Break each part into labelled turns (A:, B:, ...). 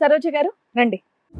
A: సరోజ గారు రండి.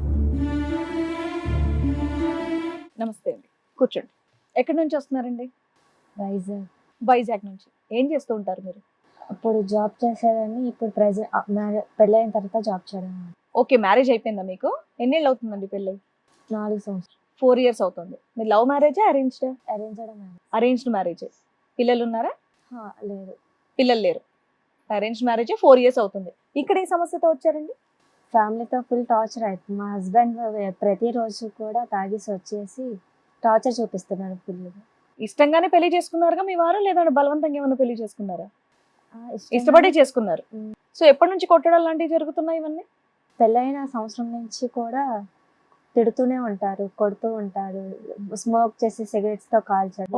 A: నమస్తే అండి, కూర్చోండి. ఎక్కడి నుంచి వస్తున్నారండి?
B: వైజాగ్.
A: వైజాగ్ నుంచి. ఏం చేస్తూ ఉంటారు మీరు?
B: అప్పుడు జాబ్ చేసేదాన్ని, ఇప్పుడు పెళ్ళైన తర్వాత జాబ్ చేయడం.
A: ఓకే, మ్యారేజ్ అయిపోయిందా మీకు? ఎన్నేళ్ళు అవుతుందండి పెళ్ళి?
B: 4 సంవత్సరాలు.
A: 4 years అవుతుంది. మీరు లవ్ మ్యారేజా అరేంజ్డ్?
B: అరేంజ్డ్.
A: Arranged marriage. పిల్లలు ఉన్నారా?
B: లేదు.
A: పిల్లలు లేరు. అరేంజ్డ్ మ్యారేజ్ 4 years అవుతుంది. ఇక్కడ ఏ సమస్యతో వచ్చారండి?
B: ఫ్యామిలీతో ఫుల్ టార్చర్ అవుతుంది. మా హస్బెండ్ ప్రతిరోజు కూడా తాగేసి వచ్చేసి టార్చర్ చూపిస్తున్నాడు ఫుల్.
A: ఇష్టంగానే పెళ్లి చేసుకున్నారుగా మీ వారు, లేదంటే బలవంతంగా ఏమైనా పెళ్లి చేసుకున్నారా? ఇష్టపడే చేసుకున్నారు. సో ఎప్పటి నుంచి కొట్టడం లాంటివి జరుగుతున్నాయి ఇవన్నీ?
B: పెళ్ళైన సంవత్సరం నుంచి కూడా తిడుతూనే ఉంటారు, కొడుతూ ఉంటారు, స్మోక్ చేసి సిగరెట్స్ తో కాల్చడం,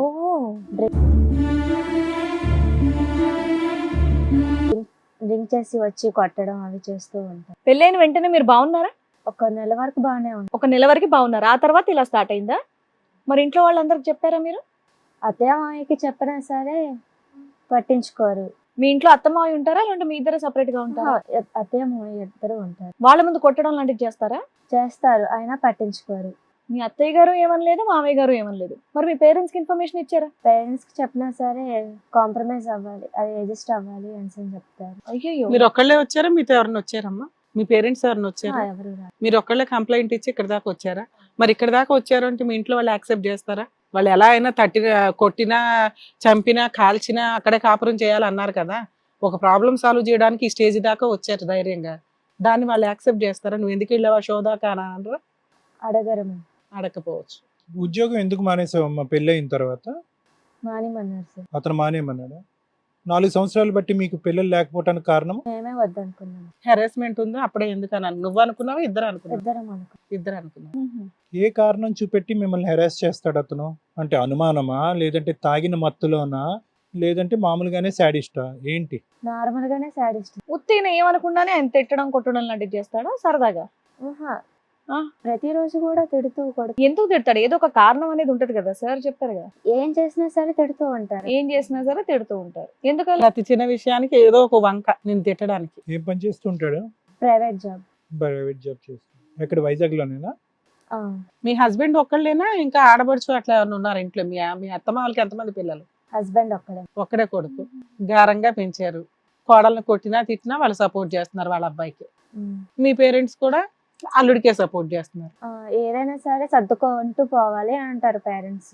B: డ్రింక్ చేసి వచ్చి కొట్టడం అవి చేస్తూ ఉంటారు.
A: పెళ్ళైన వెంటనే మీరు బాగున్నారా?
B: 1 నెల వరకు బాగానే ఉంది.
A: 1 నెల వరకు బాగున్నారు, ఆ తర్వాత ఇలా స్టార్ట్ అయిందా? మరి ఇంట్లో వాళ్ళందరికి చెప్పారా మీరు?
B: అత్తయ్య మామయ్యకి చెప్పినా సరే పట్టించుకోరు.
A: మీ ఇంట్లో అత్తమావి ఉంటారా, లేదంటే మీ ఇద్దరు సెపరేట్ గా ఉంటారా?
B: అత్తయ్య మామయ్య ఇద్దరు ఉంటారు.
A: వాళ్ళ ముందు కొట్టడం లాంటివి చేస్తారా?
B: చేస్తారు, అయినా పట్టించుకోరు.
A: మీ అత్తయ్య గారు ఏమనలేదు, మామయ్య గారు ఏమనలేదు. మరి మీ పేరెంట్స్ కి ఇన్ఫర్మేషన్ ఇచ్చారా?
B: పేరెంట్స్ కి చెప్పినా సరే కాంప్రమైజ్ అవ్వాలి, అది అడ్జస్ట్ అవ్వాలి అని చెప్తారు.
A: అయ్యో,
C: మీరు ఒక్కళ్ళే వచ్చారా, మీతో ఎవరైనా వచ్చారమ్మా? మీ పేరెంట్స్ ఎవరైనా వచ్చారా?
B: ఎవరు రారు.
C: మీరు ఒక్కళ్ళే కంప్లైంట్ ఇచ్చి ఇక్కడ దాకా వచ్చారా? మరి ఇక్కడ దాకా వచ్చారు అంటే మీ ఇంట్లో వాళ్ళు యాక్సెప్ట్ చేస్తారా? వాళ్ళు ఎలా అయినా కొట్టినా, చంపినా, కాల్చినా అక్కడే కాపురం చేయాలన్నారు కదా. ఒక ప్రాబ్లం సాల్వ్ చేయడానికి ఈ స్టేజ్ దాకా వచ్చారు ధైర్యంగా. దాన్ని వాళ్ళు యాక్సెప్ట్ చేస్తారా? నువ్వు ఎందుకు వెళ్ళావా షో దాకా అని అనరా?
B: అడగరు.
C: అడగకపోవచ్చు.
D: ఉద్యోగం ఎందుకు మానేసావమ్మా పెళ్ళి అయిన తర్వాత?
B: మానేమన్నారు సార్.
D: అతను మానేమన్నాడా? 4 సంవత్సరాలు బట్టి మీకు పిల్లలు లేకపోవటానికి కారణం?
B: మేమే వద్దనుకున్నాము.
C: హెరాస్మెంట్ ఉందో అప్పుడే ఎందుకు అని నువ్వు అనుకున్నావా, ఇద్దరు అనుకున్నావు?
B: ఇద్దరం
C: అనుకున్నావు.
D: ఏ కారణం చూపెట్టి మిమ్మల్ని హెరాస్ చేస్తాడు అతను? అంటే అనుమానమా, లేదంటే తాగిన మత్తులోనా, లేదంటే మామూలుగానే శాడిస్టా, ఏంటి?
B: నార్మల్ గానే సాడిస్ట్.
A: ఉత్తిన ఏమనుకుండానే ఆయన తిట్టడం కొట్టడం లాంటివి చేస్తాడా సరదాగా?
B: ప్రతిరోజు కూడా తిడుతూ కొడుతూ.
A: ఎందుకు తిడతాడు? ఏదో ఒక కారణం అనేది ఉంటది కదా, సార్ చెప్పారు కదా.
B: ఏం చేసినా సరే తిడుతూ ఉంటారు.
A: ఏం చేసినా సరే తిడుతూ ఉంటారు. ఎందుకలా?
C: ప్రతి చిన్న విషయానికి ఏదో ఒక వంక నేను తిట్టడానికి.
D: ఏం పని చేస్తుంటాడు?
B: Private job.
D: ప్రైవేట్ జాబ్ చేస్తాడు. ఎక్కడ, వైజాగ్ లోనేనా?
C: మీ హస్బెండ్ ఒక్కళ్ళేనా, ఇంకా ఆడబడుచు అట్లా ఎవరైనా ఉన్నారు ఇంట్లో? మీ అత్తమ్మ వాళ్ళకి ఎంతమంది పిల్లలు?
B: హస్బెండ్
C: ఒక్కడే కొడుకు. గారంగా పెంచారు. కోడల్ని కొట్టినా తిట్టినా వాళ్ళు సపోర్ట్ చేస్తున్నారు వాళ్ళ అబ్బాయికి. మీ పేరెంట్స్ కూడా అల్లుడికే సపోర్ట్ చేస్తున్నారు.
B: ఏదైనా సరే సర్దుకుంటూ పోవాలి అంటారు పేరెంట్స్.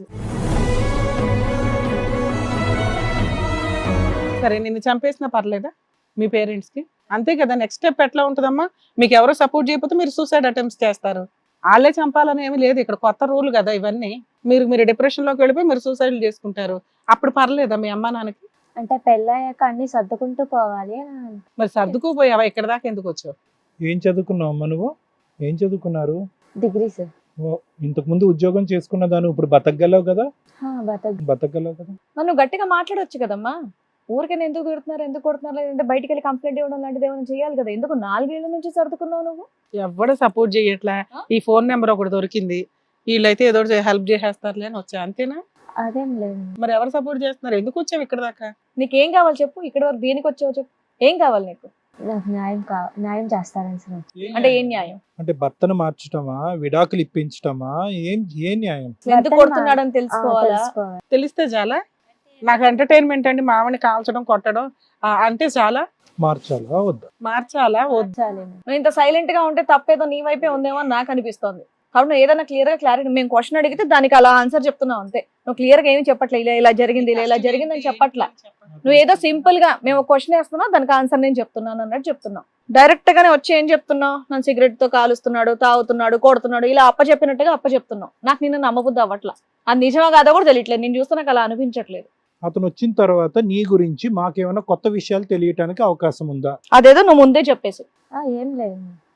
C: సరే, నిన్ను చంపేసినా పర్లేదా మీ పేరెంట్స్ కి? అంతే కదా. నెక్స్ట్ స్టెప్ ఎట్లా ఉంటుందమ్మా? మీకు ఎవరో సపోర్ట్ చేయకపోతే మీరు సూసైడ్ అటెంప్ట్స్ చేస్తారు. వాళ్ళే చంపాలని ఏమి లేదు ఇక్కడ, కొత్త రూల్ కదా ఇవన్నీ. మీరు డిప్రెషన్ లోకి వెళ్ళిపోయి మీరు సూసైడ్ చేసుకుంటారు. అప్పుడు పర్లేదా మీ అమ్మా నాన్నకి?
B: అంటే పెళ్ళయ్యాక అన్ని సర్దుకుంటూ పోవాలి.
C: మరి సర్దుకుపోయావా? ఇక్కడ దాకా ఎందుకు వచ్చావు?
D: ఏం చదువుకున్నావు అమ్మా నువ్వు? ఏం చదువుకున్నారు?
B: Degree sir.
D: ఇంతకు ముందు ఉద్యోగం చేసుకున్న దాన్ని ఇప్పుడు బతకగలవు కదా? బతకగలవు కదా?
A: నువ్వు గట్టిగా మాట్లాడొచ్చు కదమ్మా. ఊరికైనా ఎందుకు తిడుతున్నారు, ఎందుకు కొడుతున్నారు, లేదంటే బయటికి వెళ్ళి కంప్లైంట్ ఇవ్వడం లాంటిది ఏమైనా చేయాలి కదా. ఎందుకు 4 ఏళ్ల నుంచి సర్దుకున్నావు నువ్వు?
C: ఎవడు సపోర్ట్ చేయట్లా. ఈ ఫోన్ నెంబర్ ఒకటి దొరికింది, వీళ్ళైతే ఏదో హెల్ప్ చేసేస్తారులే అని వచ్చా, అంతేనా?
B: అదేం లేదు.
C: మరి ఎవరు సపోర్ట్ చేస్తున్నారు? ఎందుకు వచ్చావు ఇక్కడ దాకా?
A: నీకేం కావాలి చెప్పు. ఇక్కడ వరకు దేనికి వచ్చావు చెప్పు. ఏం కావాలి నీకు?
B: నాకు న్యాయం చేస్తారని సార్.
A: అంటే ఏం న్యాయం?
D: అంటే భర్తను మార్చటమా, విడాకులు ఇప్పించటమా, ఏ న్యాయం?
A: ఎందుకు కొడుతున్నాడని తెలుసుకోవాలా?
C: తెలిస్తే చాలా. నాకు ఎంటర్టైన్మెంట్ అండి మామని కాల్చడం కొట్టడం అంటే చాలా.
D: మార్చాలా వద్దా?
C: మార్చాలా వద్దా?
A: నువ్వు ఇంత సైలెంట్ గా ఉంటే తప్పేదో నీ వైపే ఉందేమో అని నాకు అనిపిస్తోంది. కాబట్టి నువ్వు ఏదైనా క్లారిటీ, మేము క్వశ్చన్ అడిగితే దానికి అలా ఆన్సర్ చెప్తున్నావు అంతే. నువ్వు క్లియర్ గా ఏమి చెప్పట్లే, ఇలా జరిగింది ఇలా జరిగింది అని చెప్పట్లా. నువ్వు ఏదో సింపుల్ గా మేము క్వశ్చన్ వేస్తున్నావు, దానికి ఆన్సర్ నేను చెప్తున్నాను అన్నట్టు చెప్తున్నావు. డైరెక్ట్ గానే వచ్చి ఏం చెప్తున్నావు? నన్ను సిగరెట్ తో కాలుస్తున్నాడు, తాగుతున్నాడు, కొడుతున్నాడు, ఇలా అప్పచెప్పినట్టుగా అప్పచెప్తున్నావు. నాకు నిన్ను నమ్మబుద్ధి అవ్వట్లా. అది నిజమా కాదో కూడా తెలియట్లేదు. నేను చూస్తే నాకు అలా అనిపించట్లేదు.
D: అతను వచ్చిన తర్వాత నీ గురించి మాకేమైనా కొత్త విషయాలు తెలియటానికి అవకాశం ఉందా?
A: అదేదో నువ్వు ముందే చెప్పేసి.
B: ఏం లేదు.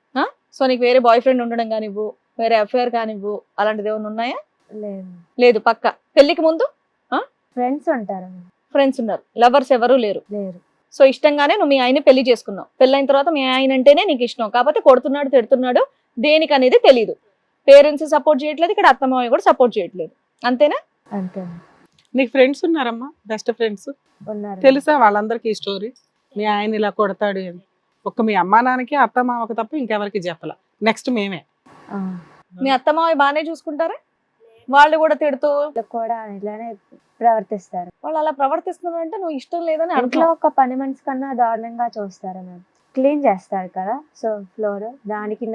A: సో నీకు వేరే బాయ్ ఫ్రెండ్ ఉండడం కానివ్వు, వేరే అఫేర్ కానివ్వు, అలాంటిది ఏమైనా ఉన్నాయా?
B: లేదు.
A: పక్క పెళ్లికి ముందు
B: ఫ్రెండ్స్ ఉంటారు.
A: ఫ్రెండ్స్ ఉన్నారు, లవర్స్ ఎవరు లేరు. సో ఇష్టంగానే నువ్వు మీ ఆయన పెళ్లి చేసుకున్నావు. పెళ్ళైన తర్వాత మీ ఆయన అంటేనే నీకు ఇష్టం, కాకపోతే కొడుతున్నాడు తిడుతున్నాడు దేనికి అనేది తెలీదు. పేరెంట్స్ సపోర్ట్ చేయట్లేదు, ఇక్కడ అత్తమావ కూడా సపోర్ట్ చేయట్లేదు. అంతేనా?
B: అంతే.
C: నీకు ఫ్రెండ్స్ ఉన్నారమ్మా? బెస్ట్ ఫ్రెండ్స్
B: ఉన్నారు.
C: తెలుసా వాళ్ళందరికీ ఈ స్టోరీ? మీ ఆయన ఇలా కొడతాడు అని ఒక్క మీ అమ్మా నాన్నకి అత్త మామకి తప్ప ఇంకెవరికి చెప్పాల. నెక్స్ట్ మేమే.
B: ఆ,
A: మీ అత్తమావి బాగానే చూసుకుంటారా? వాళ్ళు కూడా తిడుతూ
B: వాళ్ళు కూడా ఇలానే ప్రవర్తిస్తారు.
A: వాళ్ళు అలా ప్రవర్తిస్తున్నారు అంటే నువ్వు ఇష్టం లేదని
B: ఇంట్లో
A: అర్థం.
B: ఒక పని మనిషి కన్నా దారుణంగా చూస్తారు మ్యామ్. క్లీన్ చేస్తారు కదా, సో ఫ్లోర్ దానికి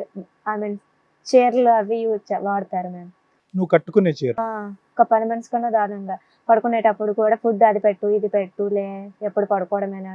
B: ఐ మీన్ చీరలు అవి వాడతారు మ్యామ్.
D: నువ్వు కట్టుకునే చీర
B: ఒక పని మనిషి కన్నా దారుణంగా పడుకునేటప్పుడు కూడా ఫుడ్ అది పెట్టు ఇది పెట్టు ఎప్పుడు పడుకోవడమేనా,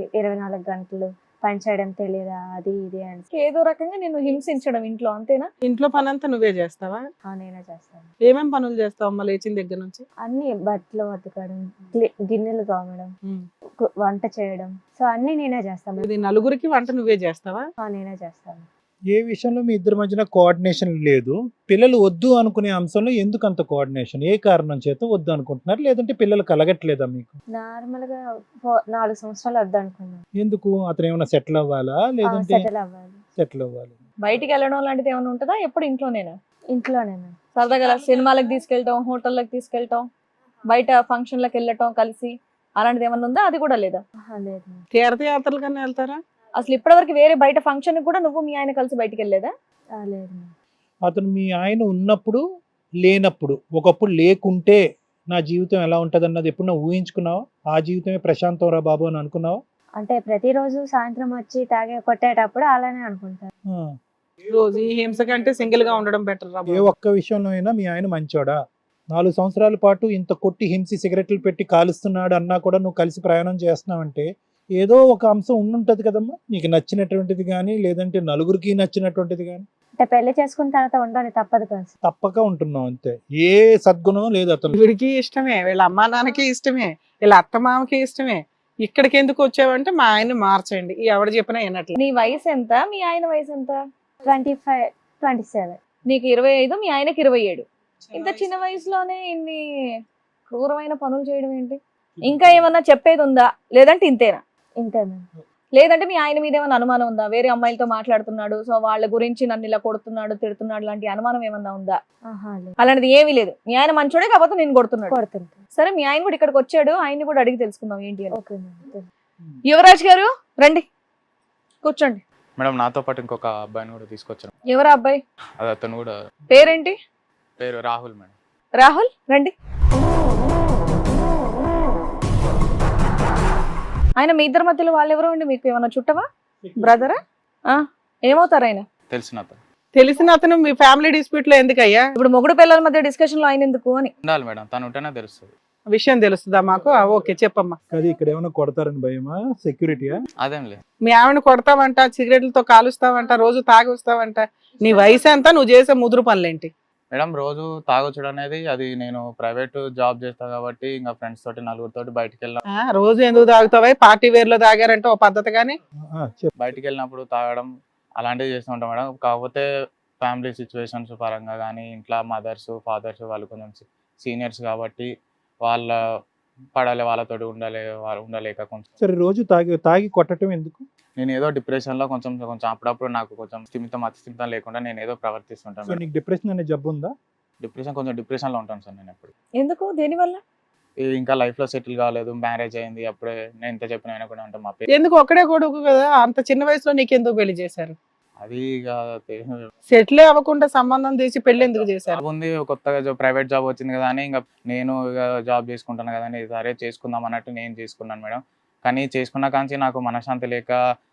B: 24 గంటలు పని చేయడం తెలియదా, అది ఇది అని
A: ఏదో రకంగా నేను హింసించడం ఇంట్లో, అంతేనా?
C: ఇంట్లో పని అంతా నువ్వే చేస్తావా?
B: నేనే చేస్తాను.
C: ఏమేం పనులు చేస్తావు అమ్మ లేచిన దగ్గర నుంచి?
B: అన్ని బట్టలు ఉతకడం, గిన్నెలు తోమడం,
C: ఉమ్.
B: వంట చేయడం, సో అన్ని నేనే చేస్తాను.
C: ఇది నలుగురికి వంట నువ్వే చేస్తావా?
B: నేనే చేస్తాను.
D: ఏ విషయంలో మీ ఇద్దరి మధ్యన కోఆర్డినేషన్ లేదు? పిల్లలు వద్దు అనుకునే అంశంలో ఎందుకు అంత కోఆర్డినేషన్? ఏ కారణం చేత వద్దు అనుకుంటున్నారు? లేదంటే పిల్లలు కలగట్లేదా మీకు?
B: నార్మల్ గా 4 సంవత్సరాలు వద్దనుకున్నాను.
D: ఎందుకు? అతను ఏమైనా సెటిల్ అవ్వాలా లేదంటే
B: సెటిల్ అవ్వాలి.
D: సెటిల్ అవ్వాలి?
A: బయటికి వెళ్ళడం లాంటిది ఏమైనా ఉంటుందా? ఎప్పుడు ఇంట్లోనేనా?
B: ఇంట్లోనే మ్యామ్.
A: సరదాగా సినిమాలకు తీసుకెళ్ళటం, హోటళ్ళకి తీసుకెళ్ళటం, బయట ఫంక్షన్లకు వెళ్ళటం కలిసి, అలాంటిది ఏమన్నా ఉందా? అది కూడా లేదా?
B: లేదు మ్యామ్.
C: తీర్థయాత్రలు కన్నా వెళ్తారా?
A: అసలు ఇప్పటివరకు వేరే బయట ఫంక్షన్ కూడా నువ్వు మీ ఆయన కలిసి బయటికి వెళ్ళలేదా?
B: లేదు మ్యామ్.
D: అతను మీ ఆయన ఉన్నప్పుడు లేనప్పుడు, ఒకప్పుడు లేకుంటే నా జీవితం ఎలా ఉంటుంది అన్నది ఎప్పుడు నువ్వు ఊహించుకున్నావా? ఆ జీవితమే ప్రశాంతం రా బాబు అని అనుకున్నావా?
B: అంటే ప్రతిరోజు సాయంత్రం వచ్చి కొట్టేటప్పుడు అలానే అనుకుంటారు.
D: ఆ.
C: రోజు ఈ హింస కంటే సింగిల్ గా ఉండడం బెటర్ రా
D: ఏ
C: బాబు.
D: ఒక్క విషయంలో అయినా మీ ఆయన మంచోడా? 4 సంవత్సరాల పాటు ఇంత కొట్టి హింసి సిగరెట్లు పెట్టి కాలుస్తున్నాడు అన్నా కూడా నువ్వు కలిసి ప్రయాణం చేస్తున్నావంటే ఏదో ఒక అంశం ఉండుంటది కదమ్మా, నీకు నచ్చినటువంటిది కానీ లేదంటే నలుగురికి నచ్చినటువంటిది కానీ.
B: అంటే పెళ్లి చేసుకున్న తర్వాత ఉండాలి, తప్పదు కదా.
D: తప్పక ఉంటున్నావు అంతే. ఏ సద్గుణం లేదు అతను.
C: వీడికి ఇష్టమే, వీళ్ళ అమ్మా నాన్నకి ఇష్టమే, వీళ్ళ అత్త మామకి ఇష్టమే. ఇక్కడికి ఎందుకు వచ్చావంటే మా ఆయన మార్చండి, ఎవడు చెప్పినా వినట్లే.
A: నీ వయసు ఎంత? మీ ఆయన వయసు ఎంత?
B: 25, 27.
A: నీకు 25, మీ ఆయనకి 27. ఇంత చిన్న వయసులోనే ఇన్ని క్రూరమైన పనులు చేయడం ఏంటి? ఇంకా ఏమన్నా చెప్పేది ఉందా? లేదంటే ఇంతేనా?
B: ఇంతే మ్యామ్.
A: లేదంటే మీ ఆయన మీద ఏమైనా అనుమానం ఉందా? వేరే అమ్మాయిలతో మాట్లాడుతున్నాడు, సో వాళ్ళ గురించి నన్ను ఇలా కొడుతున్నాడు, తిడుతున్నాడు లాంటి అనుమానం ఏమన్నా ఉందా?
B: లేదు.
A: అలాంటిది ఏమీ లేదు. మీ ఆయన మంచోడే, కాకపోతే నేను కొడుతున్నాడు.
B: కొడుతుంటా.
A: సరే, మీ ఆయన కూడా ఇక్కడికి వచ్చాడు, ఆయన్ని కూడా అడిగి తెలుసుకుందాం ఏంటి అని.
B: Okay ma'am.
A: యువరాజ్ గారు రండి, కూర్చోండి.
E: మేడం నాతో పాటు ఇంకొక అబ్బాయిని కూడా తీసుకొచ్చాను.
A: ఎవరా అబ్బాయి?
E: అది అతను కూడా
A: పేరేంటి?
E: పేరు రాహుల్ మేడం.
A: రాహుల్ రండి. ఆయన మీ ఇద్దరి మధ్యలో వాళ్ళెవరో అండి? మీకు ఏమన్నా చుట్టవా, బ్రదరా? ఏమవుతారు ఆయన?
E: తెలిసిన అతను.
C: తెలిసిన అతను మీ ఫ్యామిలీ డిస్ప్యూట్ లో ఎందుకయ్యా?
A: ఇప్పుడు మొగుడు పిల్లల మధ్య డిస్కషన్ లో ఆయన ఎందుకు అని
E: ఉండాలి మేడం, తను ఉంటేనే తెలుస్తుంది.
C: విషయం తెలుస్తుందా మాకు? ఓకే చెప్పమ్మా.
D: అది ఇక్కడ ఏమైనా కొడతారని భయమా? సెక్యూరిటీయా?
E: అదేం లేదు.
C: మీ ఆవిడ కొడతావంట, సిగరెట్లతో కాలుస్తావంట, రోజు తాగి వస్తావంట. నీ వయసు ఎంత? నువ్వు చేసే ముదురు పనులేంటి?
E: మేడం రోజు తాగొచ్చడం అనేది అది నేను ప్రైవేట్ జాబ్ చేస్తా కాబట్టి ఇంకా ఫ్రెండ్స్ తోటి నలుగురితోటి బయటికి వెళ్ళిన
C: రోజు ఎందుకు తాగుతావా? పార్టీ వేర్ లో తాగారంటే ఓ పద్ధతి కానీ.
D: చెప్పు.
E: బయటికి వెళ్ళినప్పుడు తాగడం అలాంటివి చేస్తూ ఉంటాం మేడం. కాకపోతే ఫ్యామిలీ సిచ్యువేషన్స్ పరంగా కానీ ఇంట్లో మదర్స్ ఫాదర్స్ వాళ్ళు కొంచెం సీనియర్స్ కాబట్టి వాళ్ళ పడాలి, వాళ్ళతోటి ఉండలేక కొంచెం.
D: సరే, రోజు తాగి కొట్టడం ఎందుకు?
E: నేను ఏదో డిప్రెషన్ లో కొంచెం అప్పుడప్పుడు నాకు కొంచెం అతిస్థిమితం లేకుండా నేను ఏదో ప్రవర్తిస్తుంటాను
D: సో
E: మేడం.
D: నీకు డిప్రెషన్ అనే జబ్బు ఉందా?
E: కొంచెం డిప్రెషన్ లో ఉంటాను సార్ నేను ఎప్పుడు.
A: ఎందుకు? దేనివల్ల?
E: ఇంకా లైఫ్ లో సెటిల్ కాలేదు, మ్యారేజ్ అయింది, అప్పుడే నేను ఎంత చెప్పిన ఆయన కూడా ఉంటాం మా
C: ఎందుకు? ఒక్కడే కొడుకు కదా, అంత చిన్న వయసులో నీకెందుకు పెళ్లి చేశారు?
E: అది ఇక
C: సెటిల్ అవ్వకుండా సంబంధం తీసి పెళ్లి ఎందుకు చేశారు?
E: జాబ్ ఉంది, కొత్తగా ప్రైవేట్ జాబ్ వచ్చింది కదా అని ఇంకా నేను ఇక జాబ్ చేసుకుంటాను కదా అని సరే చేసుకుందాం అన్నట్టు నేను చేసుకున్నాను మేడం. కానీ చేసుకున్న కాంచి నాకు మనశ్శాంతి లేక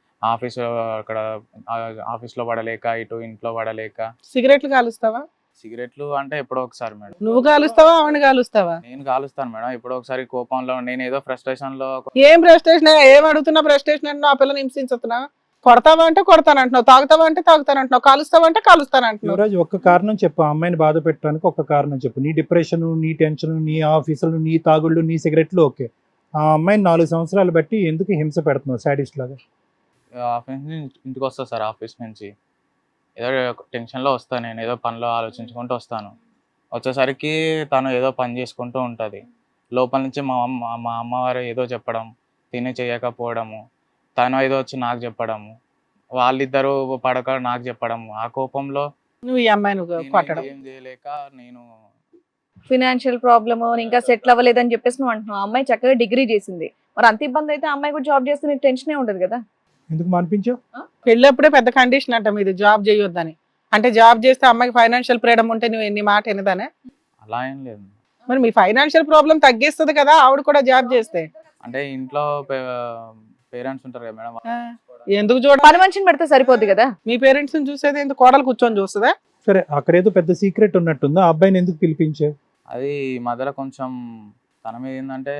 E: ఆఫీస్లో పడలేక ఇటు ఇంట్లో పడలేక.
C: సిగరెట్లు కాలుస్తావా?
E: సిగరెట్లు అంటే ఎప్పుడో ఒకసారి మేడం.
C: నువ్వు కాలుస్తావా ఆవిడ కాలుస్తావా?
E: నేను కాలుస్తాను మేడం. ఎప్పుడో ఒకసారి కోపంలో నేను ఏదో ఫ్రస్ట్రేషన్ లో
C: ఏం ఫ్రస్ట్రేషన్? ఏం అడుగుతున్నా ఫ్రస్ట్రేషన్ అంటే? ఆ పిల్లని హింసించుతున్నా? కొడతావా అంటే కొడతానంటున్నావు, తాగుతావా అంటే తాగుతానంటున్నావు, కాలుస్తావా అంటే కాలుస్తానంటున్నావు.
D: యువరాజ్, ఒక్క కారణం చెప్పు. ఆ అమ్మాయిని బాధ పెట్టడానికి ఒక్క కారణం చెప్పు. నీ డిప్రెషన్, నీ టెన్షన్, నీ ఆఫీసులు, నీ తాగుళ్ళు, నీ సిగరెట్లు ఓకే. ఆ అమ్మాయిని 4 సంవత్సరాలు బట్టి ఎందుకు హింస పెడుతున్నావు సాడిస్ట్ లాగా?
E: ఆఫీస్ నుంచి ఇంటికి వస్తా సార్, ఆఫీస్ నుంచి ఏదో టెన్షన్లో వస్తాను, నేను ఏదో పనిలో ఆలోచించుకుంటూ వస్తాను. వచ్చేసరికి తను ఏదో పని చేసుకుంటూ ఉంటుంది. లోపల నుంచి మా అమ్మవారు ఏదో చెప్పడం, తిని చేయకపోవడము, తను ఏదో వచ్చి నాకు చెప్పడము, వాళ్ళిద్దరూ పడక నాకు చెప్పడము. ఆ కోపంలో
C: నువ్వు ఈ అమ్మాయిని కొట్టడం.
E: ఏం చేయలేక నేను
A: ఫినాన్షియల్ ప్రాబ్లమ్, ఇంకా సెటిల్ అవ్వలేదని చెప్పేసి నువ్వు అంటున్నావు. అమ్మాయి చక్కగా డిగ్రీ చేసింది, మరి అంత ఇబ్బంది అయితే అమ్మాయి కూడా జాబ్ చేస్తే నీకు టెన్షనే ఉండదు కదా?
D: ఎందుకు మానిపించావు?
C: పెళ్ళప్పుడే పెద్ద కండిషన్ అంట మీది, జాబ్ చేయొద్దని. అంటే జాబ్ చేస్తే అమ్మాయికి ఫైనాన్షియల్ ఫ్రీడమ్ ఉంటే నువ్వు ఎన్ని మాట ఎనదానే?
E: అలా ఏం లేదు.
C: మరి మీ ఫైనాన్షియల్ ప్రాబ్లం తగ్గిస్తుంది కదా ఆవిడ కూడా జాబ్ చేస్తే.
E: అంటే ఇంట్లో పేరెంట్స్ ఉంటారు కదా మేడం.
C: ఆ, ఎందుకు చూడ
A: పని మనిషిని పెడితే సరిపోద్ది కదా.
C: మీ పేరెంట్స్ ని చూసేది ఎందుకు, కోడలు కూర్చొని చూస్తుందా?
D: సరే, అక్కడేదో పెద్ద సీక్రెట్ ఉన్నట్టుందా? ఆ అబ్బాయిని ఎందుకు పిలిపించావు?
E: అది ఈ మధ్యలో కొంచెం తన మీద ఏంటంటే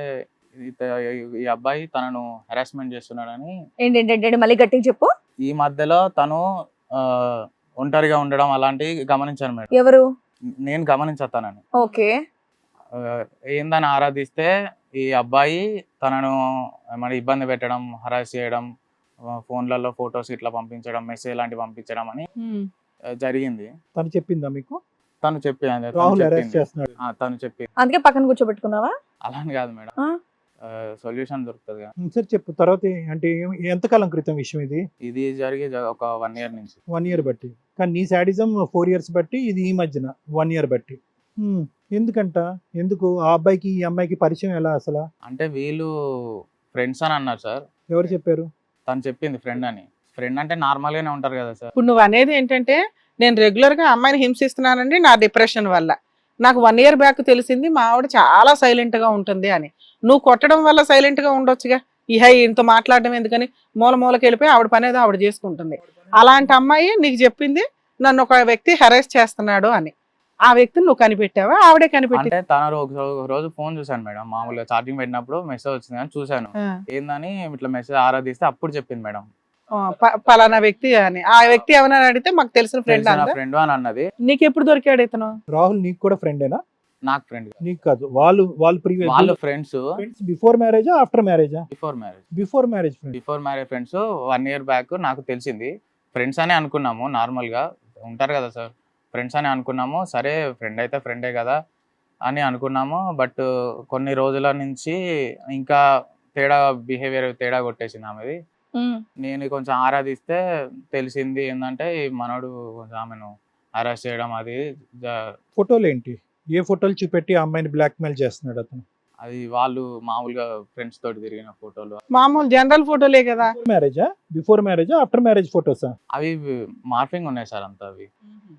E: ఈ అబ్బాయి తనను హెరాస్మెంట్ చేస్తున్నాడని.
A: ఏంటంటే మళ్ళీ గట్టిగా చెప్పు.
E: ఈ మధ్యలో తను ఒంటరిగా ఉండడం అలాంటివి గమనించాను మేడం.
A: ఎవరు?
E: నేను గమనించాను.
A: ఓకే.
E: ఏందని ఆరాధిస్తే ఈ అబ్బాయి తనను మరి ఇబ్బంది పెట్టడం, హరాస్ చేయడం, ఫోన్లలో ఫొటోస్ ఇట్లా పంపించడం, మెసేజ్ లాంటివి పంపించడం అని జరిగింది.
D: తను చెప్పిందా మీకు?
E: తను చెప్పింది.
D: రాహుల్ అరెస్ట్ చేస్తున్నాడు.
E: తను చెప్పింది.
A: అందుకే పక్కన కూర్చోబెట్టుకున్నావా?
E: అలా అని కాదు మేడం, సొల్యూషన్ దొరుకుతుంది కదా.
D: సరే చెప్పు, తర్వాత అంటే ఎంతకాలం క్రితం విషయం ఇది?
E: ఇది జరిగి ఒక 1 year నుంచి.
D: 1 year బట్టి. కానీ నీ శాడిజం 4 years బట్టి, ఇది ఈ మధ్యన 1 year బట్టి. ఎందుకంట? ఎందుకు ఆ అబ్బాయికి ఈ అమ్మాయికి పరిచయం ఎలా అసలు?
E: అంటే వీళ్ళు ఫ్రెండ్స్ అని అన్నారు సార్.
D: ఎవరు చెప్పారు?
E: తను చెప్పింది ఫ్రెండ్ అని. ఫ్రెండ్ అంటే నార్మల్ గానే ఉంటారు కదా సార్.
C: ఇప్పుడు నువ్వు అనేది ఏంటంటే నేను రెగ్యులర్ గా అమ్మాయిని హింసిస్తున్నానండి నా డిప్రెషన్ వల్ల. నాకు 1 year బ్యాక్ తెలిసింది మా ఆవిడ చాలా సైలెంట్ గా ఉంటుంది అని. నువ్వు కొట్టడం వల్ల సైలెంట్ గా ఉండొచ్చుగా. ఇంత మాట్లాడడం ఎందుకని మూలకి వెళ్ళిపోయి ఆవిడ పని ఏదో ఆవిడ చేసుకుంటుంది. అలాంటి అమ్మాయి నీకు చెప్పింది నన్ను ఒక వ్యక్తి హెరాస్ చేస్తున్నాడు అని. ఆ వ్యక్తిని నువ్వు కనిపెట్టావా ఆవిడే కనిపెట్టి?
E: అంటే తన ఒక రోజు ఫోన్ చూసాను మేడం, మామూలుగా ఛార్జింగ్ పెట్టినప్పుడు మెసేజ్ వచ్చింది అని చూసాను. ఏందని ఇట్లా మెసేజ్ ఆరాధిస్తే అప్పుడు చెప్పింది మేడం
C: పలానా వ్యక్తి అని. ఆ వ్యక్తి ఏమన్నా అడిగితే మాకు తెలిసిన ఫ్రెండ్
E: ఫ్రెండ్ అని అన్నది.
C: నీకు ఎప్పుడు దొరికాడు ఇతను?
D: రాహుల్ నీకు కూడా ఫ్రెండేనా?
E: నాకు ఫ్రెండ్
D: నీకు కాదు, వాళ్ళు ప్రీవియస్
E: వాళ్ళు ఫ్రెండ్స్.
D: బిఫోర్ మ్యారేజా ఆఫ్టర్ మ్యారేజా?
E: Before marriage friends. 1 year back నాకు తెలిసింది. ఫ్రెండ్స్ అనే అనుకున్నాము, నార్మల్ గా ఉంటారు కదా సార్, ఫ్రెండ్స్ అని అనుకున్నాము. సరే ఫ్రెండ్ అయితే ఫ్రెండే కదా అని అనుకున్నాము. బట్ కొన్ని రోజుల నుంచి ఇంకా బిహేవియర్ తేడా కొట్టేసింది ఆమెది. నేను కొంచెం ఆరాధిస్తే తెలిసింది ఏంటంటే ఈ మనోడు కొంచెం ఆమెను అరెస్ట్ చేయడం అది.
D: ఫోటోలు ఏంటి? ఏ ఫోటోలు చూపెట్టి ఆ అమ్మాయిని బ్లాక్ మెయిల్ చేస్తున్నాడు అతను?
E: అది వాళ్ళు మామూలుగా ఫ్రెండ్స్ తోటి తిరిగిన ఫోటోలు,
C: మామూలు జనరల్ ఫోటోలే కదా.
D: మ్యారేజా? బిఫోర్ మ్యారేజా ఆఫ్టర్ మ్యారేజ్ ఫోటోసా?
E: అవి మార్ఫింగ్ ఉన్నాయి సార్ అంతా. అవి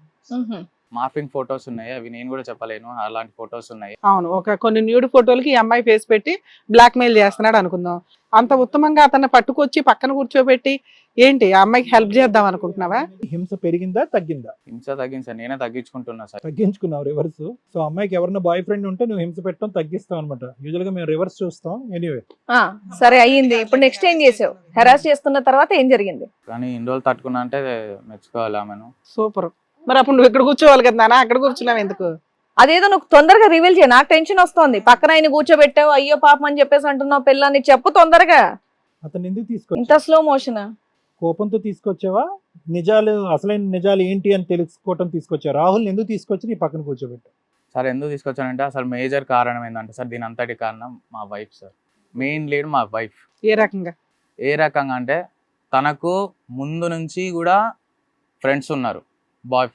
E: మార్ఫింగ్ ఫొటోస్ ఉన్నాయి, అవి నేను కూడా చెప్పలేను, అలాంటి ఫొటోస్ ఉన్నాయి.
C: అవును, కొన్ని న్యూడ్ ఫోటోలకి ఈ అమ్మాయి ఫేస్ పెట్టి బ్లాక్ మెయిల్ చేస్తున్నాడు అనుకుందాం. అంత ఉత్తమంగా అతన్ని పట్టుకొచ్చి పక్కన కూర్చోబెట్టి ఏంటి ఆ అమ్మాయికి హెల్ప్ చేద్దాం అనుకుంటున్నావా?
D: హింస పెరిగిందా తగ్గిందా?
E: హింస తగ్గింది సార్, నేనే తగ్గించుకుంటున్నా సార్.
D: తగ్గించుకున్నావు రివర్స్. సో అమ్మాయికి ఎవరైనా బాయ్ ఫ్రెండ్ ఉంటే నువ్వు హింస పెట్టడం తగ్గిస్తావు అనమాట. యూజువల్ గా మేము రివర్స్ చూస్తాం. ఎనీవే
A: సరే అయ్యింది. ఇప్పుడు నెక్స్ట్ ఏం చేసావు? హెరాస్ చేస్తున్న తర్వాత ఏం జరిగింది?
E: కానీ ఇన్ని రోజులు తట్టుకున్నా అంటే మెచ్చుకోవాలి ఆమెను.
C: సూపర్. మరి అప్పుడు నువ్వు ఇక్కడ కూర్చోవాలి కదా నాన్న, అక్కడ కూర్చున్నావు ఎందుకు?
A: అదేదో నువ్వు తొందరగా రివీల్ చేయ, నాకు టెన్షన్ వస్తుంది. పక్కన ఆయన కూర్చోబెట్టావు, అయ్యో పాపం అని చెప్పేసి అంటున్నావు పిల్లని, చెప్పు తొందరగా.
D: అతను ఎందుకు
A: ఇంత
D: తీసుకొచ్చావు?
A: Slow motion?
D: కోపంతో తీసుకొచ్చావా? నిజాలు, అసలైన నిజాలు ఏంటి అని తెలుసుకోవటం తీసుకొచ్చావు? రాహుల్ ఎందుకు తీసుకొచ్చి నీ పక్కన కూర్చోబెట్టావు?
E: సార్ ఎందుకు తీసుకొచ్చానంటే అసలు మేజర్ కారణం ఏంటంటే సార్, దీని అంతటి కారణం మా వైఫ్ సార్. మెయిన్ లీడ్ మా వైఫ్.
C: ఏ రకంగా?
E: ఏ రకంగా అంటే తనకు ముందు నుంచి కూడా ఫ్రెండ్స్ ఉన్నారు, బాయ్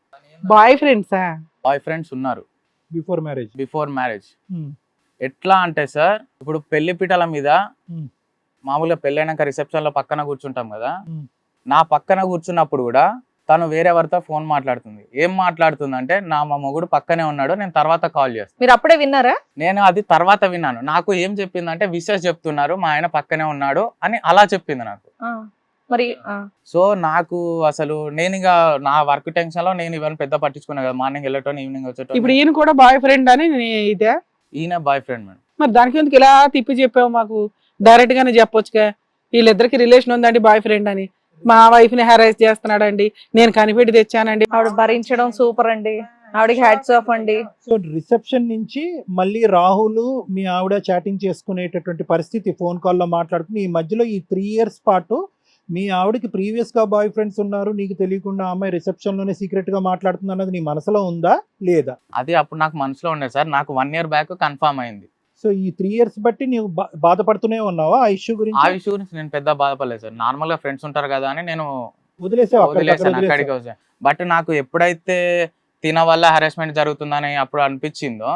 E: ఫ్రెండ్స్ ఉన్నారు బిఫోర్ మ్యారేజ్. ఎట్లా అంటే సార్, ఇప్పుడు పెళ్లి పీటల మీద మామూలుగా పెళ్ళైనాక రిసెప్షన్ లో పక్కన కూర్చుంటాం కదా, నా పక్కన కూర్చున్నప్పుడు కూడా తను వేరే ఎవరితో ఫోన్ మాట్లాడుతుంది. ఏం మాట్లాడుతుంది అంటే, మా మొగుడు పక్కనే ఉన్నాడు, నేను తర్వాత కాల్ చేస్తాను.
A: మీరు అప్పుడే విన్నారా?
E: నేను అది తర్వాత విన్నాను. నాకు ఏం చెప్పిందంటే విషెస్ చెప్తున్నారు, మా ఆయన పక్కనే ఉన్నాడు అని అలా చెప్పింది నాకు.
A: మరి
E: సో నాకు అసలు నేను ఇక నా వర్క్ టెన్షన్ లో నేను ఇవన్నీ పెద్ద పట్టించుకున్నా కదా, మార్నింగ్ వెళ్ళటం ఈవినింగ్ వచ్చేటం.
C: ఇప్పుడు ఈయన కూడా బాయ్ ఫ్రెండ్ అని ఇదే?
E: ఈయన బాయ్ ఫ్రెండ్ మేడం.
C: మరి దానికి ఎందుకు ఇలా తిప్పి చెప్పావు? మాకు డైరెక్ట్ గానే చెప్పొచ్చుగా, వీళ్ళిద్దరికి రిలేషన్ ఉందండి బాయ్ ఫ్రెండ్ అని, మా వైఫ్ ని హెరాస్ చేస్తున్నాడండి, నేను కనిపెట్టి తెచ్చానండి.
A: ఆవిడ భరించడం సూపర్ అండి, ఆవిడకి హ్యాట్స్ ఆఫ్ అండి.
D: సో రిసెప్షన్ నుంచి మళ్ళీ రాహుల్ మీ ఆవిడ చాటింగ్ చేసుకునేటటువంటి పరిస్థితి, ఫోన్ కాల్లో మాట్లాడుకుని ఈ మధ్యలో ఈ 3 years పాటు మీ ఆవిడకి ప్రీవియస్ గా బాయ్ ఫ్రెండ్స్ ఉన్నారు, నీకు తెలియకుండా అమ్మాయి రిసెప్షన్ లోనే సీక్రెట్ గా మాట్లాడుతుంది అన్నది నీ మనసులో ఉందా లేదా?
E: అది అప్పుడు నాకు మనసులో ఉండేది సార్, నాకు 1 year బ్యాక్ కన్ఫర్మ్ అయింది.
D: సో ఈ 3 years బట్టి నీవు బాధపడుతూనే ఉన్నావా ఆ ఇష్యూ గురించి?
E: ఆ ఇష్యూ గురించి నేను పెద్ద బాధపడలేదు సార్, నార్మల్ గా ఫ్రెండ్స్ ఉంటారు కదా అని నేను
D: వదిలేసాను
E: అక్కడికి వచ్చాను. బట్ నాకు ఎప్పుడైతే తిన వల్ల హెరాస్మెంట్ జరుగుతుందని అప్పుడు అనిపించిందో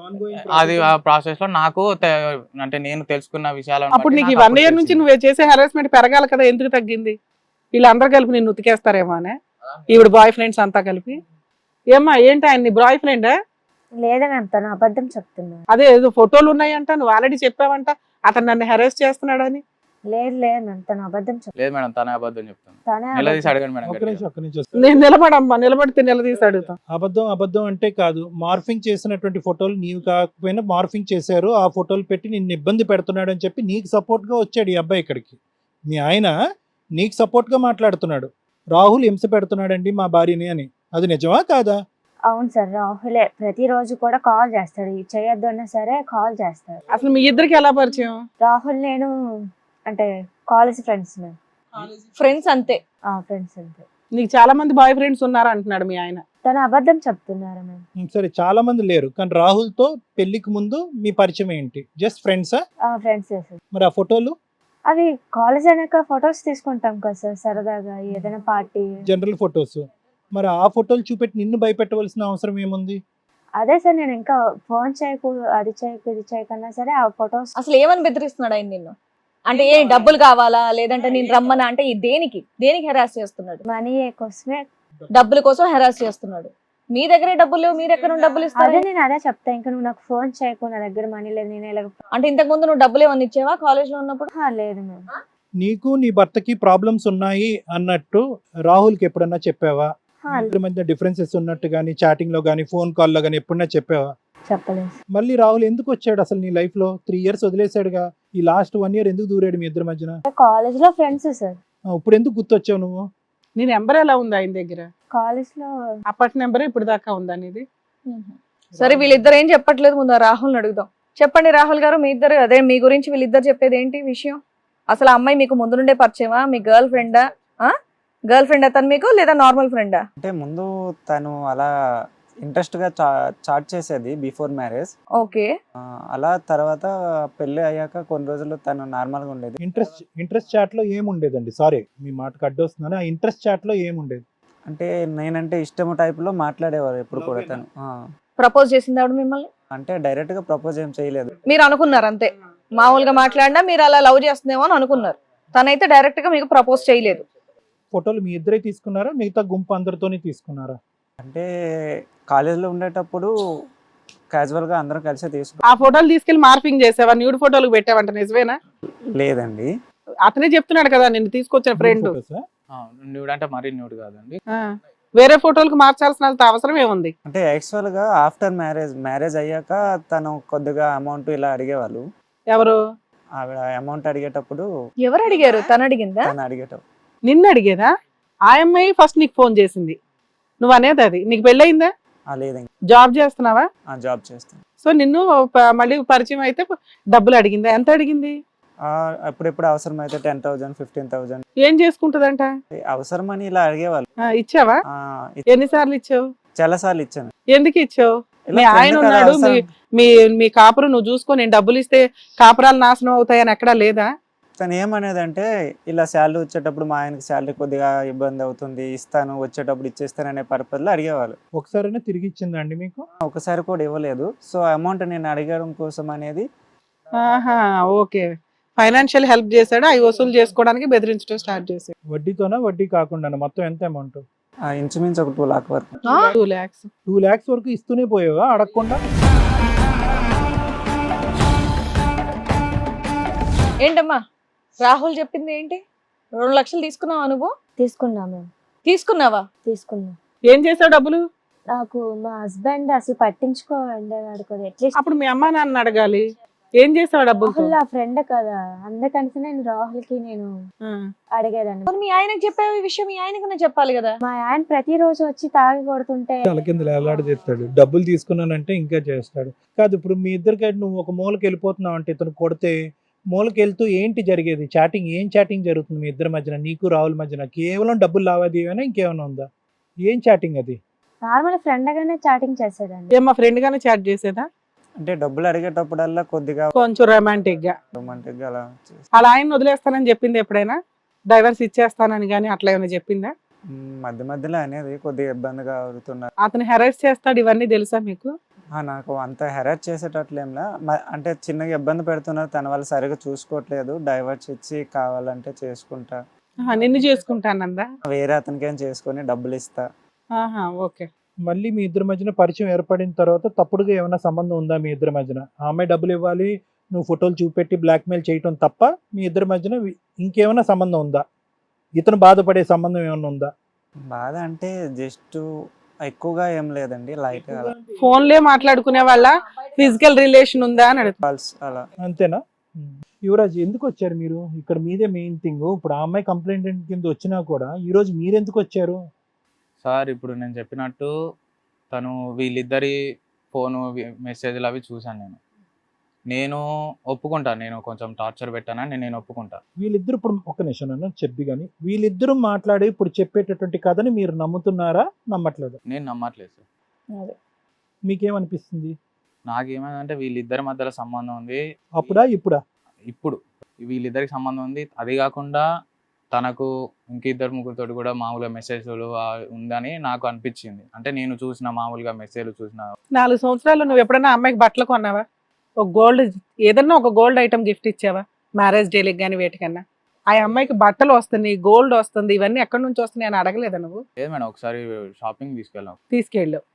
E: అది ఆ ప్రాసెస్ లో నాకు అంటే నేను తెలుసుకున్న విషయాలు
C: అప్పుడు నీకు ఈ 1 ఇయర్ నుంచి నువ్వు చేసే హెరాస్మెంట్ పెరగాలి కదా, ఎందుకు తగ్గింది? వీళ్ళందరూ కలిపి నిన్ను ఉతికేస్తారేమో అనే, ఈవిడ బాయ్ ఫ్రెండ్స్ అంతా కలిపి. ఏమ్మా ఏంటి ఆయన నీ బాయ్ ఫ్రెండా?
B: లేదా మ్యామ్, తను అబద్ధం చెప్తున్నాడు.
C: అదే ఏదో ఫోటోలు ఉన్నాయంట, నువ్వు ఆల్రెడీ చెప్పావంట అతను నన్ను హెరాస్ చేస్తున్నాడని.
B: లేదు లేదు మ్యామ్, తను అబద్ధం చెప్తాను.
E: లేదు మేడం, తనే అబద్ధం చెప్తాను.
B: తనే
E: నిలదీసి
B: అబద్ధం.
E: అడగండి మేడం
D: ఒక్క
E: గట్టిగా.
D: నిమిషం
C: నేను నిలబడమ్మా, నిలబడితే నిలదీసి అడుగుతాం.
D: అబద్ధం అంటే కాదు, మార్ఫింగ్ చేసినటువంటి ఫోటోలు నీవు కాకపోయినా మార్ఫింగ్ చేశారు, ఆ ఫోటోలు పెట్టి నిన్ను ఇబ్బంది పెడుతున్నాడు అని చెప్పి నీకు సపోర్ట్ గా వచ్చాడు ఈ అబ్బాయి ఇక్కడికి. మీ ఆయన నీకు సపోర్ట్ గా మాట్లాడుతున్నాడు, రాహుల్ హింస పెడుతున్నాడండి మా భార్యని అని. అది నిజమా కాదా?
B: అవును సార్, రాహులే ప్రతిరోజు కూడా కాల్ చేస్తాడు, ఇది చేయొద్దు అన్నా సరే కాల్ చేస్తాడు.
C: అసలు మీ ఇద్దరికి ఎలా పరిచయం?
B: రాహుల్ నేను అంటే కాలేజ్ ఫ్రెండ్స్ మ్యామ్.
A: ఫ్రెండ్స్ అంతే.
B: ఫ్రెండ్స్ అంతే.
C: నీకు చాలా మంది బాయ్ ఫ్రెండ్స్ ఉన్నారు అంటున్నాడు మీ ఆయన.
B: తను అబద్ధం చెప్తున్నారు మ్యామ్.
D: సరే, చాలా మంది లేరు, కానీ రాహుల్ తో పెళ్లికి ముందు మీ పరిచయం ఏంటి? జస్ట్ ఫ్రెండ్సా?
B: Friends sir.
D: మరి ఆ ఫోటోలు
B: అవి కాలేజ్ అయినాక ఫొటోస్ తీసుకుంటాం కదా సార్, సరదాగా ఏదైనా పార్టీ.
D: General photos. మరి ఆ ఫోటోలు చూపెట్టి నిన్ను భయపెట్టవలసిన అవసరం ఏముంది?
B: అదే సార్, నేను ఇంకా ఫోన్ చేయకు, అది చేయకు, ఇది చేయకన్నా సరే ఆ ఫొటోస్.
A: అసలు ఏమని బెదిరిస్తున్నాడు ఆయన నిన్ను? అంటే ఏ డబ్బులు కావాలా, లేదంటే నేను రమ్మనా అంటే ఈ దేనికి హెరాస్ చేస్తున్నాడు?
B: మనీ కోసమే.
A: డబ్బుల కోసం హెరాస్ చేస్తున్నాడు. మీ దగ్గరే డబ్బులు లేవు, మీరు ఎక్కడ నుండి డబ్బులు
B: అదే
A: ఇస్తారు?
B: నేను అదే చెప్తా, ఇంకా నువ్వు నాకు ఫోన్ చేయకు, నా దగ్గర మనీ లేదు, నేను ఇలా.
A: అంటే ఇంతకు ముందు నువ్వు డబ్బులు ఏమన్నా ఇచ్చావా కాలేజ్ లో ఉన్నప్పుడు?
B: లేదు మ్యామ్.
D: నీకు నీ భర్తకి ప్రాబ్లమ్స్ ఉన్నాయి అన్నట్టు రాహుల్కి ఎప్పుడన్నా చెప్పావా? ఇద్దరి మధ్య డిఫరెన్సెస్ ఉన్నట్టు కానీ చాటింగ్ లో కానీ ఫోన్ కాల్లో కానీ ఎప్పుడన్నా చెప్పావా?
B: చెప్పలేదు.
D: మళ్ళీ రాహుల్ ఎందుకు వచ్చాడు అసలు నీ లైఫ్ లో? 3 years వదిలేసాడుగా, ఈ లాస్ట్ 1 year ఎందుకు దూరాడు మీ ఇద్దరి మధ్యన?
B: కాలేజ్ లో ఫ్రెండ్స్ సార్.
D: ఇప్పుడు ఎందుకు గుర్తొచ్చావు నువ్వు?
C: నీ నెంబర్ ఎలా ఉంది ఆయన దగ్గర?
B: కాలేజ్ లో
C: అప్పటి నెంబర్ ఇప్పుడు దాకా ఉందా నీది?
A: సరే, వీళ్ళిద్దరు ఏం చెప్పట్లేదు, ముందు రాహుల్ని అడుగుదాం. చెప్పండి రాహుల్ గారు, మీ ఇద్దరు అదే మీ గురించి వీళ్ళిద్దరు చెప్పేది ఏంటి విషయం? అసలు ఆ అమ్మాయి మీకు ముందు నుండే పరిచయమా? మీ గర్ల్ ఫ్రెండా? అతను మీకు, లేదా నార్మల్ ఫ్రెండా?
F: అంటే ముందు తను అలా ఇంట్రెస్ట్ గా చాట్ చేసేది బిఫోర్ మ్యారేజ్.
A: ఓకే.
F: అలా తర్వాత పెళ్లి అయ్యాక కొన్ని రోజులు తను నార్మల్ గా ఉండేది.
D: ఇంట్రెస్ట్ చాట్ లో ఏముండేదండి? సారీ మీ మాటకు అడ్డొస్తున్నాను. ఆ ఇంట్రెస్ట్ చాట్ లో ఏముండేది?
F: అంటే నేనంటే ఇష్టం టైప్ లో మాట్లాడేవారు ఎప్పుడు కూడా తను.
A: ప్రపోజ్ చేసింది ఆవిడ మిమ్మల్ని?
F: అంటే డైరెక్ట్ గా ప్రపోజ్ ఏం చేయలేదు.
A: మీరు అనుకున్నారు అంతే, మామూలుగా మాట్లాడినా మీరు అలా లవ్ చేస్తుందేమో అని అనుకున్నారు. తనైతే డైరెక్ట్ గా మీకు ప్రపోజ్ చేయలేదు.
D: ఫోటోలు మీ ఇద్దరే తీసుకున్నారా, మిగతా గుంపు అందరితోనే తీసుకున్నారా?
F: అంటే కాలేజ్ లో ఉండేటప్పుడు క్యాజువల్ గా అందరం కలిసి
C: ఆ ఫోటోలు తీసుకెళ్లి మార్పింగ్ చేసావా? న్యూడ్ ఫోటోలు పెట్టావంట, నిజమేనా?
F: లేదండి.
C: అతనే చెప్తున్నాడు కదా నిన్ను తీసుకొచ్చిన ఫ్రెండ్.
D: ఫోటోసా?
E: న్యూడ్ అంటే మరీ న్యూడ్ కాదండి.
C: వేరే ఫోటోలకు మార్చాల్సిన అవసరం ఏముంది?
F: అంటే యాక్చువల్ గా ఆఫ్టర్ మ్యారేజ్ అయ్యాక తను కొద్దిగా అమౌంట్ ఇలా అడిగేవాళ్ళు.
C: ఎవరు?
F: ఆవిడ అమౌంట్ అడిగేటప్పుడు
A: ఎవరు అడిగారు? తను అడిగిందా?
F: తను అడిగేటప్పుడు
C: నిన్ను అడిగేదా? ఆ అమ్మాయి ఫస్ట్ నీకు ఫోన్ చేసింది, నువ్వు అనేది అది. నీకు పెళ్ళయిందా?
F: లేదండి.
C: జాబ్ చేస్తున్నావా?
F: జాబ్ చేస్తాను.
C: సో నిన్ను మళ్ళీ పరిచయం అయితే డబ్బులు అడిగిందా? ఎంత అడిగింది?
F: అప్పుడెప్పుడు అవసరం అయితే 10,000 15,000
C: ఏం చేసుకుంటదంట?
F: అవసరమని ఇలా అడిగేవాళ్ళు.
C: ఇచ్చావా? ఎన్నిసార్లు ఇచ్చావు?
F: చాలా సార్లు ఇచ్చాను.
C: ఎందుకు ఇచ్చావు?
F: ఇలా
C: మీ
F: friend
C: ఆయన
F: కదా
C: ఉన్నాడు,
F: అవసరం.
C: మీ కాపురం నువ్వు చూసుకో, నేను డబ్బులు ఇస్తే కాపురాలు నాశనం అవుతాయని ఎక్కడా లేదా?
F: తను ఏమనేదంటే ఇలా శాలరీ వచ్చేటప్పుడు మా ఆయనకి శాలరీ కొద్దిగా ఇబ్బంది అవుతుంది, ఇస్తాను వచ్చేటప్పుడు ఇచ్చేస్తాను అనే పర్పస్ లో అడిగేవాళ్ళు.
D: ఒకసారైనా తిరిగి ఇచ్చిందా అండి మీకు?
F: ఒకసారి కూడా ఇవ్వలేదు. సో అమౌంట్ నేను అడగడం కోసం అనేది.
C: ఆహా, ఓకే. ఫైనాన్షియల్ హెల్ప్ చేశాడు, అవి వసూలు చేసుకోవడానికి బెదిరించడం స్టార్ట్ చేశాడు.
D: వడ్డీతోనా? వడ్డీ కాకుండా మొత్తం ఎంత అమౌంట్?
F: ఇంచుమించు ఒక 2 lakhs వరకు.
C: 2 lakhs.
D: 2 lakhs వరకు ఇస్తూనే పోయావా అడగకుండా?
A: ఏంటమ్మా రాహుల్ చెప్పింది ఏంటి? 2 లక్షలు తీసుకున్నావా నువ్వు?
B: తీసుకున్నా మ్యామ్.
A: తీసుకున్నావా?
B: తీసుకున్నా.
C: ఏం చేసావు డబ్బులు?
B: నాకు మా హస్బెండ్ అసలు పట్టించుకోండి అట్లీస్ట్.
C: అప్పుడు మీ అమ్మా నాన్న అడగాలి. ఏం చేసావు డబ్బులు?
B: రాహుల్ నా ఫ్రెండ్ కదా, అందుకని నేను రాహుల్ కి నేను అడిగేదాన్ని.
A: మరి మీ ఆయనకి చెప్పావు ఈ విషయం? మీ ఆయనకి చెప్పాలి కదా.
B: మా ఆయన ప్రతిరోజు వచ్చి తాగి కొడుతుంటే
D: తల కింద చేస్తాడు, డబ్బులు తీసుకున్నానంటే ఇంకా చేస్తాడు. కాదు, ఇప్పుడు మీ ఇద్దరికి నువ్వు ఒక మూలకి వెళ్ళిపోతున్నావు అంటే ఇతను కొడితే మూలకి వెళ్తూ ఏంటి జరిగేది? చాటింగ్, ఏం చాటింగ్ జరుగుతుంది మీ ఇద్దరి మధ్యన, నీకు రాహుల్ మధ్యన? కేవలం డబ్బులు లావాదేవీనా, ఇంకేమైనా ఉందా? ఏం చాటింగ్ అది?
B: నార్మల్ ఫ్రెండ్ గానే చాటింగ్ చేసేదాన్ని.
C: ఏం మా ఫ్రెండ్ గానే చాట్ చేసేదా?
F: అంటే డబ్బులు అడిగేటప్పుడల్లా కొద్దిగా
C: కొంచెం రొమాంటిక్ గా
F: అలా
C: అలా ఆయన వదిలేస్తానని చెప్పింది ఎప్పుడైనా? డైవర్స్ ఇచ్చేస్తానని కానీ అట్లా ఏమైనా చెప్పిందా?
F: మధ్య మధ్యలో అనేది కొద్దిగా ఇబ్బందిగా అవుతున్నారు.
C: అతను హెరాస్ చేస్తాడు ఇవన్నీ తెలుసా మీకు?
F: నాకు అంత హెరాస్ చేసేటట్లేంలా అంటే చిన్నగా ఇబ్బంది పెడుతున్నారు, తన వాళ్ళు సరిగా చూసుకోవట్లేదు, డైవర్స్ ఇచ్చి కావాలంటే చేసుకుంటా,
C: నిన్ను చేసుకుంటానందా?
F: వేరే అతనికేం చేసుకొని డబ్బులు ఇస్తా.
C: ఓకే.
D: మళ్ళీ మీ ఇద్దరి మధ్యన పరిచయం ఏర్పడిన తర్వాత తప్పుడుగా ఏమైనా సంబంధం ఉందా మీ ఇద్దరి మధ్యన? ఆ అమ్మాయి డబ్బులు ఇవ్వాలి, నువ్వు ఫోటోలు చూపెట్టి బ్లాక్మెయిల్ చేయటం తప్ప మీ ఇద్దరి మధ్యన ఇంకేమైనా సంబంధం ఉందా? ఇతను బాధపడే సంబంధం ఏమైనా ఉందా?
F: బాధ అంటే జస్ట్ ఎక్కువగా ఏం లేదండి, లైట్ అలా
C: ఫోన్లే మాట్లాడుకునే వాళ్ళ ఫిజికల్ రిలేషన్ ఉందా అని అడుగుతా.
F: కాల్స్ అలా.
D: అంతేనా? యువరాజ్, ఎందుకు వచ్చారు మీరు? ఇక్కడ మీదే మెయిన్ థింగ్. ఇప్పుడు ఆ అమ్మాయి కంప్లైంట్ కింద వచ్చినా కూడా ఈ రోజు మీరు ఎందుకు వచ్చారు?
E: సార్ ఇప్పుడు నేను చెప్పినట్టు తను వీళ్ళిద్దరి ఫోను మెసేజ్లు అవి చూశాను. నేను ఒప్పుకుంటాను, నేను కొంచెం టార్చర్ పెట్టానని నేను ఒప్పుకుంటా.
D: వీళ్ళిద్దరు ఇప్పుడు ఒక నిమిషం అన్న చెప్పి కానీ వీళ్ళిద్దరూ మాట్లాడి ఇప్పుడు చెప్పేటటువంటి కథని మీరు నమ్ముతున్నారా, నమ్మట్లేదు?
E: నేను నమ్మట్లేదు సార్.
D: మీకేమనిపిస్తుంది?
E: నాకేమైందంటే వీళ్ళిద్దరి మధ్యలో సంబంధం ఉంది.
D: అప్పుడా ఇప్పుడా?
E: ఇప్పుడు వీళ్ళిద్దరికి సంబంధం ఉంది. అది కాకుండా తనకు ఇంకిద్దరు ముగ్గురితోటి కూడా మామూలుగా మెసేజ్లు ఉందని నాకు అనిపించింది. అంటే నేను చూసిన మామూలుగా మెసేజ్లు చూసిన
C: 4 సంవత్సరాలు నువ్వు ఎప్పుడైనా అమ్మాయికి బట్టలు కొన్నావా? ఒక గోల్డ్ ఏదన్నా ఒక గోల్డ్ ఐటమ్ గిఫ్ట్ ఇచ్చావా? మ్యారేజ్ డేలకు కానీ వేటికన్నా? ఆ అమ్మాయికి బట్టలు వస్తున్నాయి, గోల్డ్ వస్తుంది, ఇవన్నీ ఎక్కడి నుంచి వస్తున్నాయి అని అడగలేదా నువ్వు?
E: లేదు మేడం, ఒకసారి షాపింగ్ తీసుకెళ్ళాం.
C: తీసుకెళ్ళు.